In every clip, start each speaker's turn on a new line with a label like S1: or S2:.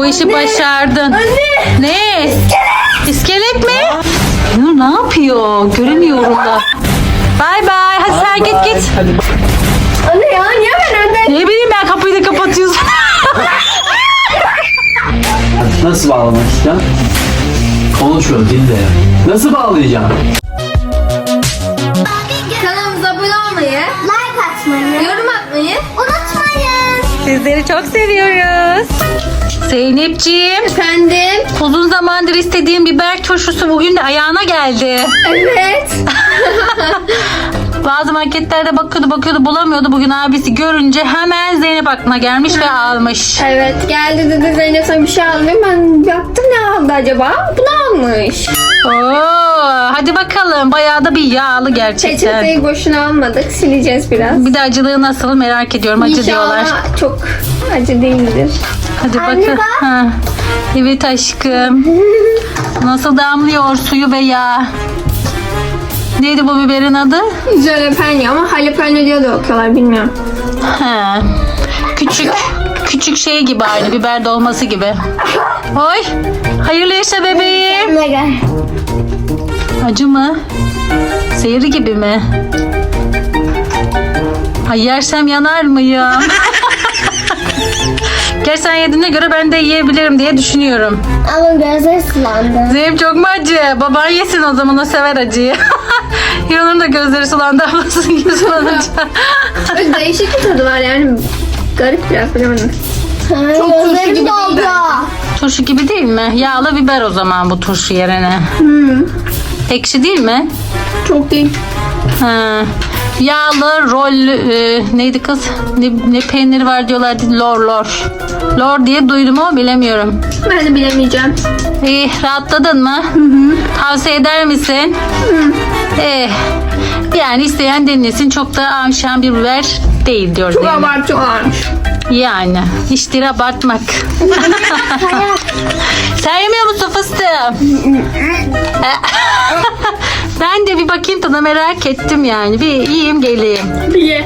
S1: Bu işi başardın.
S2: Anne.
S1: Ne? İskelet mi? Nur ne yapıyor? Göremiyorum da. Bay bay. Hadi sen git.
S3: Hadi.
S2: Anne ya niye ben önden?
S1: Ne bileyim ben, kapıyı da kapatıyorsun.
S3: Nasıl bağlamak istiyorsun? Konuşuyor dilde. Nasıl bağlayacağım?
S2: Kanalımıza abone olmayı,
S4: Like atmayı
S2: yorum atmayı.
S4: unutmayın.
S1: Sizleri çok seviyoruz. Zeynepciğim,
S2: Efendim.
S1: uzun zamandır istediğim biber turşusu bugün de ayağına geldi.
S2: Evet.
S1: Bazı marketlerde bakıyordu bulamıyordu. Bugün abisi görünce hemen Zeynep aklına gelmiş ve almış.
S2: Evet geldi dedi Zeynep sana bir şey almayayım. Ben baktım ne aldı acaba? Bunu almış.
S1: Oo, hadi bakalım. Bayağı da bir yağlı gerçekten.
S2: Peçeteyi boşuna almadık. Sileceğiz biraz.
S1: Bir de acılığı nasıl merak ediyorum. Acı diyorlar.
S2: İnşallah çok acı değildir.
S1: Hadi
S4: Anne
S1: bakın.
S4: bak.
S1: Ha. Evet aşkım. Nasıl damlıyor suyu ve yağ. Neydi bu biberin adı?
S2: Jalapeno ama jalapeno diye de okuyorlar bilmiyorum.
S1: Ha. Küçük şey gibi, aynı biber dolması gibi. Oy. Hayırlı yaşa bebeğim.
S4: Kendine gel.
S1: Acı mı? Zehri gibi mi? Ay yersem yanar mıyım? Gerçi sen yediğine göre ben de yiyebilirim diye düşünüyorum.
S4: Ama gözleri sulandı.
S1: Zeynep çok mu acı? Baban yesin o zaman, o sever acıyı. Hiranur'un da gözleri sulandı, ablasının gibi sulanınca.
S2: Böyle değişik bir tadı var yani. Garip biraz bilemedim.
S4: Çok
S2: turşu
S4: gözlerim
S2: gibi
S4: doldu.
S2: değil
S1: Turşu gibi değil mi? Yağlı biber o zaman bu turşu yerine. Ekşi değil mi?
S2: Çok değil.
S1: Ha. Yağlı rol neydi kız? Ne peyniri var diyorlardı, lor. Lor diye duydum ama bilemiyorum.
S2: Ben de bilemeyeceğim.
S1: İyi, rahatladın mı? Tavsiye eder misin? Yani isteyen denesin, çok da amşan bir biber değil diyor.
S2: Çok
S1: Zeynep.
S2: abartıyorlarmış.
S1: Yani işleri abartmak. Sen yemiyor musun fıstığım? Ben de bir bakayım tadına, merak ettim yani. Bir yiyeyim geleyim.
S2: Ye.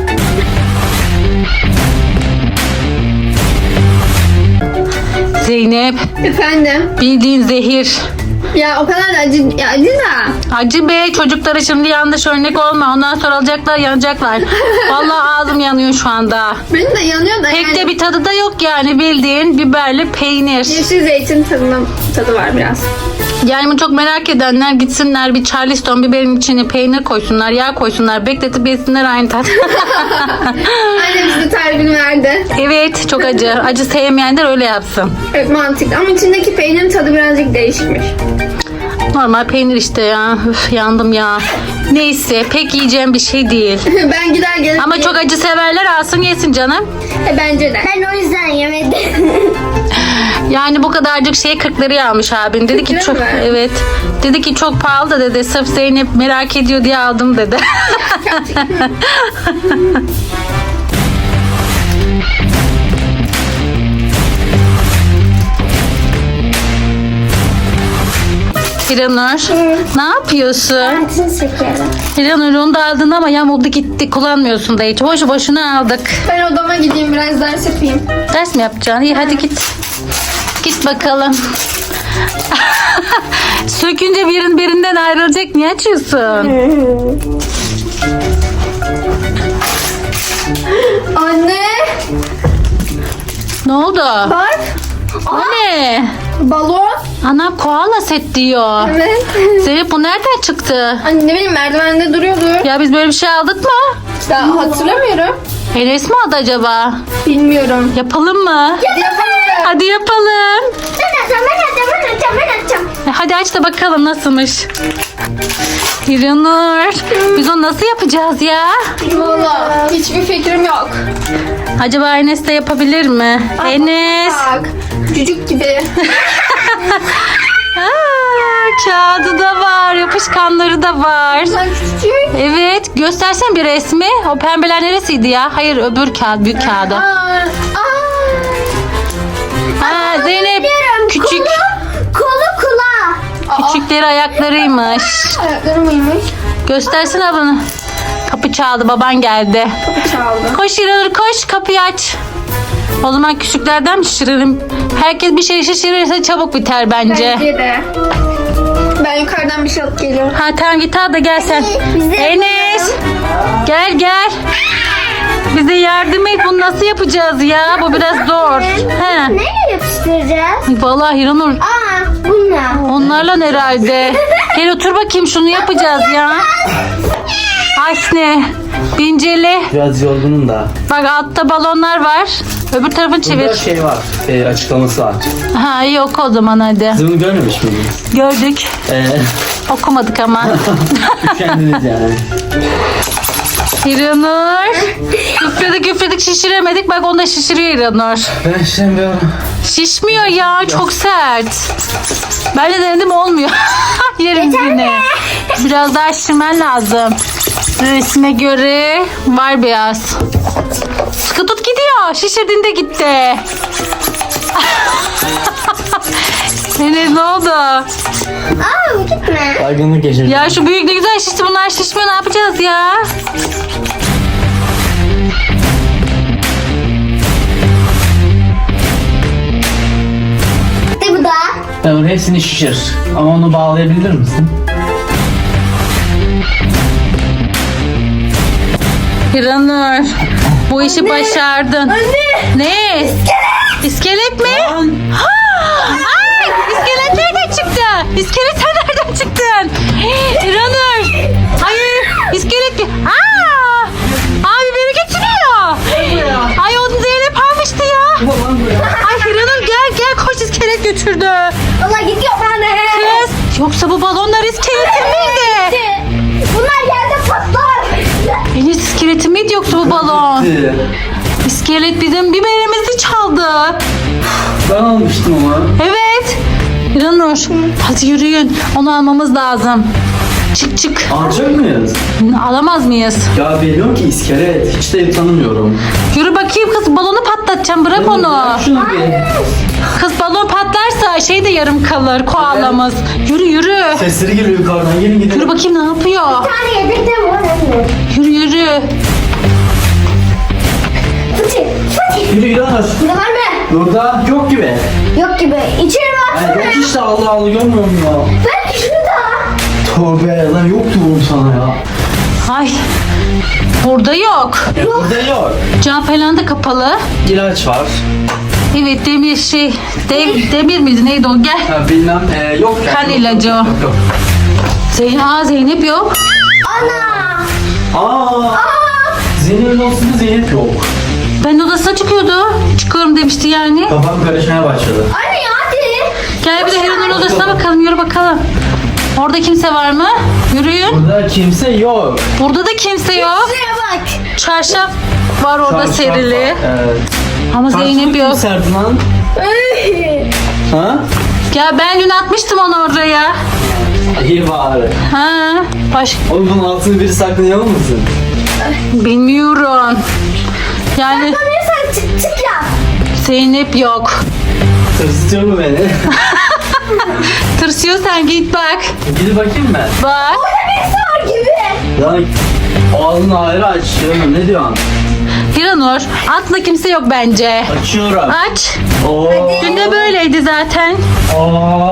S1: Zeynep,
S2: Efendim.
S1: bildiğin zehir.
S2: Ya o kadar da acı, ya acı da.
S1: Acı be, çocuklara şimdi yanlış örnek olma. Ondan sonra alacaklar, yanacaklar. Vallahi ağzım yanıyor şu anda.
S2: Benim de yanıyor da
S1: Pek
S2: yani.
S1: de bir tadı da yok yani, bildiğin biberli peynir.
S2: Yeşil zeytin tadı var biraz.
S1: Yani bunu çok merak edenler gitsinler, bir Charleston biberin içine peynir koysunlar, yağ koysunlar, bekletip yesinler, aynı tat.
S2: Annem bize tarifini verdi.
S1: Evet, çok acı. Acı sevmeyenler öyle yapsın.
S2: Evet mantıklı ama içindeki peynirin tadı birazcık değişikmiş.
S1: Normal peynir işte ya. Üf, yandım ya. Neyse, pek yiyeceğim bir şey değil.
S2: Ben gider gelirim.
S1: Ama çok acı severler alsın yesin canım.
S2: Bence de.
S4: Ben o yüzden yemedim.
S1: Yani bu kadarcık şeye 40 liraya almış abin. Dedi ki
S2: 40 lira
S1: çok,
S2: mı?
S1: evet. Dedi ki çok pahalı da dedi. Sırf Zeynep merak ediyor diye aldım dedi. Hiranur, ne yapıyorsun?
S4: Altın şekeri.
S1: Hiranur, onu da aldın ama yamuldu gitti. Kullanmıyorsun da hiç. Boşu boşuna aldık.
S2: Ben odama gideyim biraz ders yapayım.
S1: Ders mi yapacaksın? İyi hadi git. Git bakalım. Sökünce birinden ayrılacak. Niye açıyorsun?
S2: Anne.
S1: Ne oldu?
S2: Bak.
S1: O ne?
S2: Balon.
S1: Anam koala set diyor.
S2: Evet.
S1: Zeynep, bu nereden çıktı?
S2: Anne ne bileyim merdivende duruyordu.
S1: Ya biz böyle bir şey aldık mı?
S2: Daha hatırlamıyorum.
S1: Enes mi aldı acaba?
S2: Bilmiyorum.
S1: Yapalım mı?
S2: Hadi yapalım.
S1: Hadi yapalım.
S4: Ben atacağım.
S1: Hadi aç da bakalım nasılmış. Hiranur, biz onu nasıl yapacağız ya?
S2: Valla hiçbir fikrim yok.
S1: Acaba Enes de yapabilir mi? Enes.
S2: Bak. Cücük gibi.
S1: Kağıdı da var, yapışkanları da var.
S2: Sen küçücük.
S1: Evet, göstersen bir resmi. O pembeler neresiydi ya? Hayır, öbür kağıt, büyük kağıdı. Ha, Zeynep, küçük.
S4: Kolu kulağı.
S1: Küçükleri ayaklarıymış.
S2: Ayakları mıymış?
S1: Göstersene bunu. Kapı çaldı, baban geldi.
S2: Kapı çaldı.
S1: Koş İranur, koş, kapıyı aç. O zaman küçüklerden mi şişirelim? Herkes bir şey şişirirse çabuk biter bence.
S2: Bence de. Ben yukarıdan bir şey alıp geliyorum.
S1: Ha tamam git al da gel sen.
S4: Biz de
S1: Enes. Gel. Bize yardım et. Bunu nasıl yapacağız ya? Bu biraz zor. He.
S4: Neyle yapıştıracağız?
S1: Vallahi Hiranur
S4: Aa, bununla.
S1: onlarla herhalde. Gel otur bakayım şunu yapacağız ya. Asne. Binceli.
S3: Biraz yorgunum da.
S1: Bak altta balonlar var. Öbür tarafını
S3: Burada
S1: çevir.
S3: şey var. Açıklaması var.
S1: Ha yok o zaman hadi.
S3: Siz bunu görmemiş miydiniz?
S1: Gördük. Okumadık ama.
S3: Üşendiniz yani.
S1: İranur. Üfledik şişiremedik. Bak onu da şişiriyor İranur.
S3: Ben işlemiyorum.
S1: Şişmiyor ya çok sert. Ben de denedim olmuyor. Yerim yine. Biraz daha şişirmen lazım. Resme göre var biraz. Sıkı tut gidiyor. Şişirdiğinde gitti. Enes ne oldu?
S4: Aa, gitme.
S3: Baygınlık geçirdim.
S1: Ya şu büyük ne güzel şişti, bunlar şişmiyor, ne yapacağız ya?
S4: De bu da.
S3: Tamam, hepsini şişir. Ama onu bağlayabilir misin?
S1: Hiranur, bu işi başardın. Ne? İskelet mi? Ay, iskelet nereden çıktı? İskelet sen nereden çıktın? Hiranur, hayır, iskelet. Abi beni getiriyor. Ay onu Zeynep almıştı ya. Ay Hiranur gel koş, iskelet götürdü.
S4: Valla gidiyor bana.
S1: Kız, yoksa bu balonlar iskeletin miydi?
S4: Bunlar yerde patlar.
S1: Enes iskeleti miydi yoksa bu balon? İskelet bizim biberimizi çaldı.
S3: Ben almıştım onu.
S1: Evet. İranur, hadi yürüyün. Onu almamız lazım. Çık.
S3: Alacak mıyız?
S1: Alamaz mıyız?
S3: Ya biliyorum ki iskelet. Hiç de tanımıyorum.
S1: Yürü bakayım kız, balonu patlatacağım, bırak onu.
S3: Bırak şunu bir.
S1: Kız balon patlarsa şey de yarım kalır, koalamız. Yürü.
S3: Sesleri geliyor yukarıdan. Gelin gidelim.
S1: Yürü bakayım ne yapıyor.
S4: Bir tane yedekte var anne.
S1: Yürü.
S4: Fıçı.
S3: Yürü İlhanur.
S4: Burada var mı?
S3: Burada yok gibi.
S4: Yok gibi. İçeri
S3: Ay,
S4: baksana.
S3: yok işte, Allah Allah, görmüyor musun ya?
S4: Belki şurada.
S3: Tövbe lan, yoktu oğlum sana ya.
S1: Ay. Burada yok.
S3: Burada yok.
S1: Cam falan da kapalı.
S3: İlaç var.
S1: Evet, demir şey. Demir miydi neydi o, gel.
S3: Ha, bilmem. Yok yani.
S1: Kan ilacı o.
S3: Yok.
S1: Zeynep yok.
S3: Aa. Zeynep'in olsun da Zeynep yok.
S1: Ben odasına çıkıyorum demişti yani.
S3: Kafam karışmaya başladı.
S4: Anne hadi.
S1: Gel bir de Heron'un odasına bakalım, yürü bakalım. Orada kimse var mı? Yürüyün.
S3: Burada kimse yok.
S1: Burada da kimse yok.
S4: Şuraya bak.
S1: Çarşaf var orada
S3: Çarşaf
S1: serili.
S3: var, evet.
S1: Ama Zeynep
S3: Çarşafı
S1: yok.
S3: kim serdi lan? Ha?
S1: Ya ben dün atmıştım onu oraya.
S3: İyi bari.
S1: Ha,
S3: Oğlum bunun altını biri saklayalım mısın?
S1: bilmiyorum. Yani
S4: Sanıyorsan çık yap.
S1: Zeynep yok.
S3: Tırsıtıyor mu beni?
S1: Tırsıyorsan git bak.
S3: Gidip bakayım ben.
S1: Bak.
S4: Birisi var gibi.
S3: Lan ağzını ayrı aç. Canım, ne diyorsun?
S1: Hiranur, atla kimse yok bence.
S3: Açıyorum.
S1: Aç.
S3: Oo.
S1: Dün de böyleydi zaten.
S3: Oo.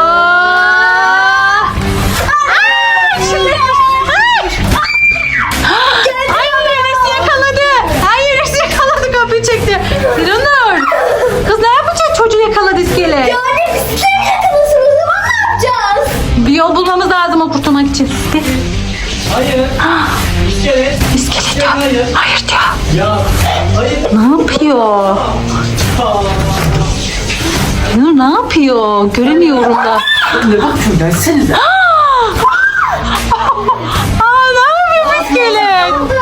S1: Ay Enes yakaladı. Ay Enes yakaladı, kapıyı çekti. Hiranur. Kız ne yapacak, çocuğu yakaladı iskelet.
S4: Yani bisiklet yakalasın, o zaman ne yapacağız?
S1: Bir yol bulmamız lazım o kurtulmak için.
S3: Hayır. İskelet.
S1: İskelet yok.
S3: Hayır.
S1: Hayır diyor.
S3: Ya. Hayır.
S1: Ne yapıyor? Hiranur ne yapıyor? Göremiyorum da.
S3: Ne bakıyorsun? Gelsenize.
S1: Ne yapıyor iskelet?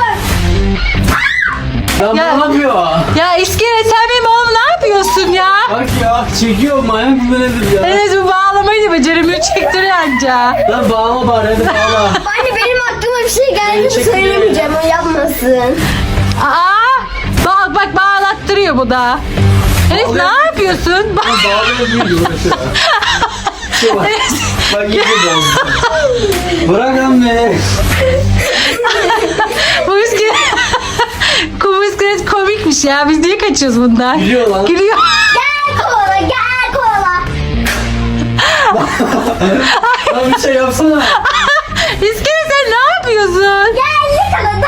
S3: Ya
S1: Ya.
S3: ne yapıyor?
S1: Ya iskelet, sen benim oğlum ne yapıyorsun ya?
S3: Bak ya, çekiyor, manyak mı nedir ya?
S1: Enes bu bağlamayı da beceremiyor, çektiriyor anca.
S3: Lan bağla bari, hadi bağla.
S4: Anne benim aklıma bir şey geldi,
S3: Çekil.
S4: söylemeyeceğim, o yapmasın.
S1: Bak bağlattırıyor bu da. Enes ne yapıyorsun? Bak.
S3: Bağlayabiliyor uğraşıyor. Bak, bak iyice bozdu. Bırak lan beni.
S1: Bu iskelet. Kum iskelet komikmiş ya. Biz niye kaçıyoruz bundan?
S3: Gülüyor lan.
S1: Gülüyor.
S4: Gel kovala gel kovala.
S3: Lan bir şey yapsana.
S1: İskelet sen ne yapıyorsun?
S4: Gel yakaladı.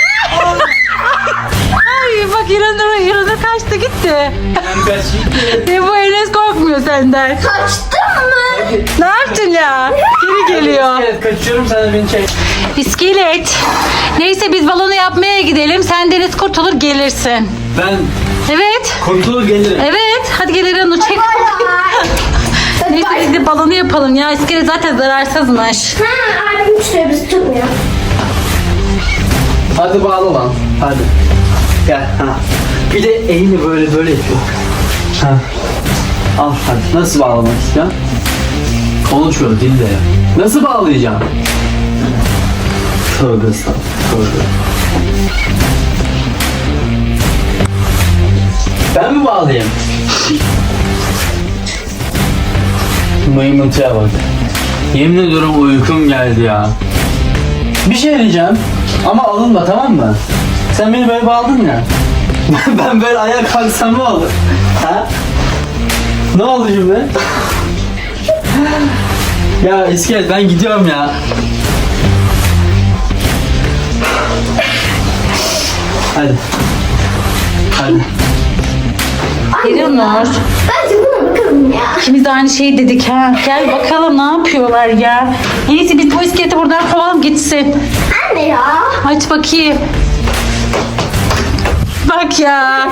S1: Ay bak İranur kaçtı gitti.
S3: Ben kaçayım.
S1: Bu Enes korkmuyor senden.
S4: Kaçtın mı?
S1: Ne yaptın ya? Geri geliyor.
S3: Evet kaçıyorum, sen de beni çek.
S1: İskelet. Neyse biz balonu yapmaya gidelim. Sen Deniz kurtulur gelirsin.
S3: Ben
S1: Evet.
S3: kurtulur gelirim.
S1: Evet. Hadi gel İranur çek. Neyse biz de balonu yapalım ya. İskelet zaten zararsızmış.
S4: Ha abim tutuyor bizi tutmuyor.
S3: Hadi bağla lan. Hadi. Gel. Ha. Bir de elini böyle yapıyor. Ha. Al hadi. Nasıl bağlamak istiyorsun? Konuşuyor dilde. Nasıl bağlayacağım? Tövbe estağfurullah. Tövbe. Ben mi bağlayayım? Mıymıntıya bak. Yemin ediyorum uykum geldi ya. Bir şey diyeceğim ama alınma, tamam mı? Sen beni böyle bağladın ya. Ben böyle ayağa kalksam ne olur? Ha? Ne oldu şimdi? Ya İskelet ben gidiyorum ya. Hadi. Hadi.
S1: İranur.
S4: Bence buna bakalım ya.
S1: İkimiz de aynı şeyi dedik ha. Gel bakalım ne yapıyorlar ya. En iyisi biz bu iskeleti buradan kovalım gitsin.
S4: Anne ya.
S1: Aç bakayım. Bak ya.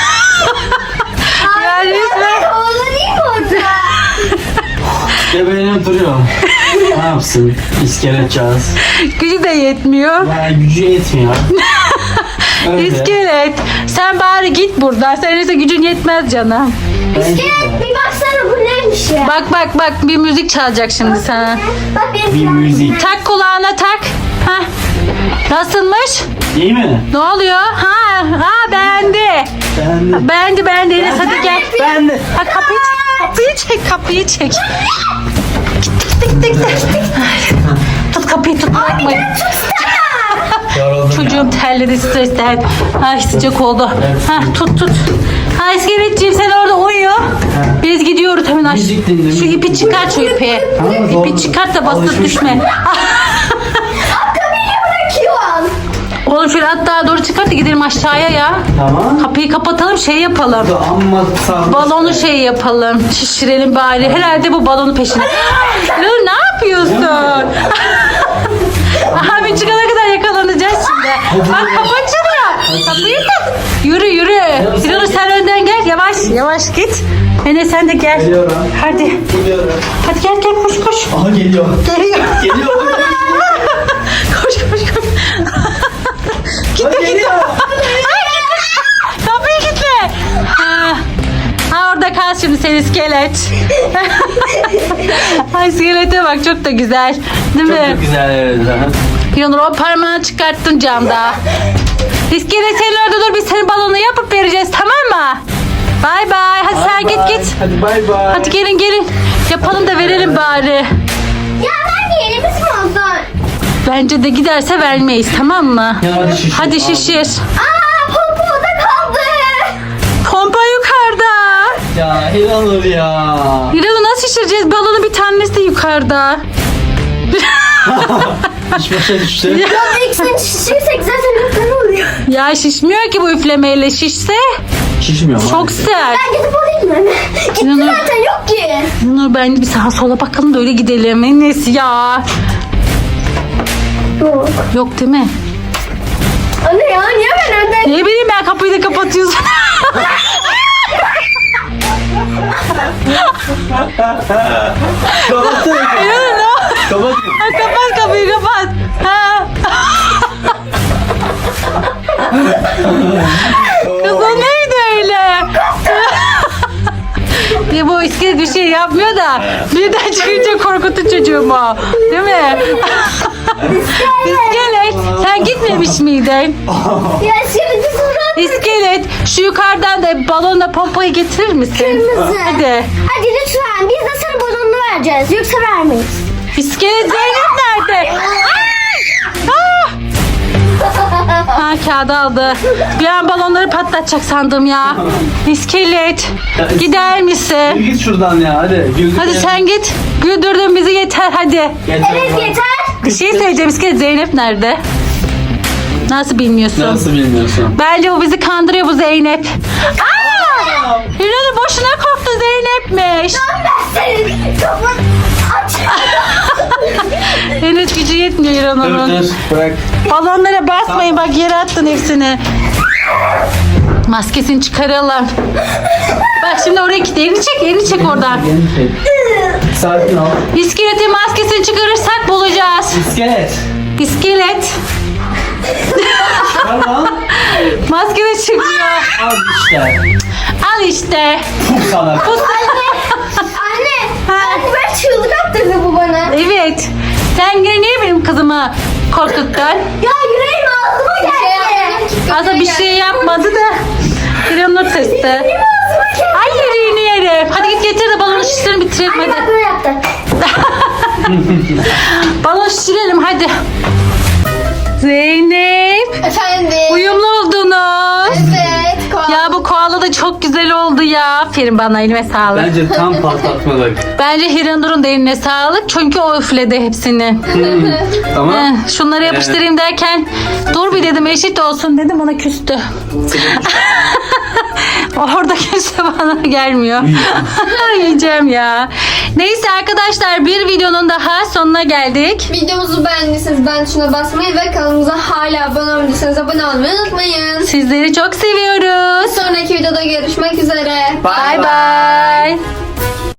S1: Ya resmen.
S4: Kovala değil mi orada?
S3: Gebelenip duruyorum. Ne yapsın İskeletcağız?
S1: Gücü de yetmiyor.
S3: Ya gücü yetmiyor. Öyle.
S1: İskelet. Sen bari git buradan. Senin ise gücün yetmez canım.
S3: Bence de.
S4: Bir baksana bu neymiş ya?
S1: Bak bir müzik çalacak şimdi sana.
S4: Bak benim
S3: Bir
S4: silahım.
S3: müzik.
S1: Tak kulağına tak. Hah. Nasılmış?
S3: İyi mi?
S1: Ne oluyor? Ha beğendi. Beğendi. Enes hadi gel.
S3: Ben de.
S1: Ha kapıyı çek. Gittik. Tut kapıyı tut bırakmayın.
S3: Yoruldum
S1: Çocuğum terledi stresten. Ay sıcak oldu. Ha tut. Ha iskeletciğim sen orada uyu. Biz gidiyoruz hemen aşağı.
S3: Müzik dinle,
S1: Şu
S3: müzik
S1: ipi çıkart şu ipi.
S3: Tamam, doğru.
S1: İpi çıkart da basıp
S3: Alışmış
S1: düşme.
S3: mı?
S4: Kapıyı bırakıyorsun.
S1: Oğlum şöyle hatta doğru çıkart da gidelim aşağıya ya.
S3: Tamam.
S1: Kapıyı kapatalım şey yapalım.
S3: Amma sarmış.
S1: Balonu şey yapalım. Şişirelim bari. Herhalde bu balonu peşinde. Dur ne yapıyorsun? Abi çıkana kadar yakalanacağız şimdi. Bak kapı açılıyor. Kapıyı tak. Yürü. Yürü sen önden gel. Yavaş git. Enes sen de gel.
S3: Geliyorum.
S1: Hadi.
S3: Geliyorum.
S1: Hadi gel koş.
S3: Aha geliyor.
S1: Geliyor.
S3: Geliyor.
S1: Koş.
S3: Geliyor.
S1: Kapıyı kilitle. Ha orada kal şimdi sen iskelet. Ay iskelete bak çok da güzel. Değil mi?
S3: Çok güzel evet.
S1: Yunur o parmağını çıkarttın camda. İskelet sen orada dur biz senin balonu yapıp vereceğiz tamam mı? Bay. Hadi sen git.
S3: Hadi bay.
S1: Hadi gelin. Yapalım da verelim bari.
S4: Ya ben yerimiz mi olsun?
S1: Bence de giderse vermeyiz tamam mı?
S3: Ya hadi şişir.
S4: Aa popo da kaldı.
S1: Pompa yukarıda.
S3: Ya İranur ya.
S1: İran'ı nasıl şişireceğiz? Balonu bir tanesi de yukarıda.
S3: Hiç başa düştü.
S4: Ya ikisini şişirsek zaten yukarı oluyor.
S1: Ya şişmiyor ki bu üflemeyle şişse.
S3: Şişmiyor mu?
S1: Çok sert.
S4: Ben gidip alayım mı? Gitti
S1: İnanın-
S4: zaten yok ki.
S1: Nur bence bir sağa sola bakalım da öyle gidelim. Enes ya.
S4: Yok.
S1: Yok değil mi?
S4: Anne ya niye ben önden?
S1: Ne bileyim ben kapıyı da kapatıyorsun.
S3: Kapatsana.
S1: İnanın o.
S3: Kapat.
S1: Ha, kapat kapıyı kapat. Ha. Kız o neydi öyle? Ya bu iskelet bir şey yapmıyor da birden çıkınca korkuttu çocuğumu. Değil mi? İskelet sen gitmemiş miydin?
S4: Ya şimdi surat.
S1: İskelet şu yukarıdan da balonla pompayı getirir misin?
S4: Kırmızı.
S1: Hadi.
S4: Hadi lütfen biz de sana balonunu vereceğiz. Yoksa vermeyiz.
S1: İskelet Zeynep nerede? Ay! Ah! kağıdı aldı. Bir an balonları patlatacak sandım ya. İskelet. Gider misin?
S3: Git şuradan ya hadi. Güldür
S1: Hadi
S3: ya.
S1: sen git. Güldürdün bizi yeter hadi.
S3: Yeter.
S4: Evet yeter.
S1: Bir şey söyleyeceğim. İskelet Zeynep nerede? Nasıl bilmiyorsun?
S3: Nasıl bilmiyorsun?
S1: Bence o bizi kandırıyor bu Zeynep. Aa! Hiranur boşuna korktu Zeynep'miş.
S4: Senin kafanı aç.
S1: Henüz gücü yetmiyor
S3: Dur
S1: Hiranur'un.
S3: dur bırak.
S1: Balonlara basmayın bak yere attın hepsini. Maskesini çıkaralım. Bak şimdi oraya git. Elini çek oradan.
S3: Sakin ol.
S1: İskeletin maskesini çıkarırsak bulacağız.
S3: İskelet.
S1: İskelet.
S3: Ver lan.
S1: Maske de çıkmıyor.
S3: Al işte.
S1: Al işte.
S3: Puh sana.
S4: Anne. Anne ben çığlık attırdı bu bana.
S1: Evet. Sen yine niye benim kızımı korkuttun?
S4: Ya yüreğim ağzıma geldi.
S1: Aslında bir şey yapmadı da. Hiranur testi. Ay yüreğini yerim. Hadi git getir de balonu şişirelim bitirelim
S4: Anne bak
S1: hadi.
S4: böyle yaptı.
S1: Balon şişirelim hadi. Zeynep.
S2: Efendim.
S1: Uyumlu oldunuz.
S2: Evet.
S1: Ya bu koala da çok güzel oldu ya. Aferin bana elime sağlık.
S3: Bence tam patlatmadık.
S1: Bence Hiranur'un da eline sağlık. Çünkü o üfledi hepsini.
S3: Tamam.
S1: Şunları yapıştırayım derken dur bir dedim eşit olsun dedim ona küstü. Orada kimse bana gelmiyor. Yiyeceğim ya. Neyse arkadaşlar bir videonun daha sonuna geldik.
S2: Videomuzu beğendiyseniz beğen tuşuna basmayı ve kanalımıza hala abone olmadıysanız abone olmayı unutmayın.
S1: Sizleri çok seviyoruz.
S2: Sonraki videoda görüşmek üzere.
S1: Bye bye.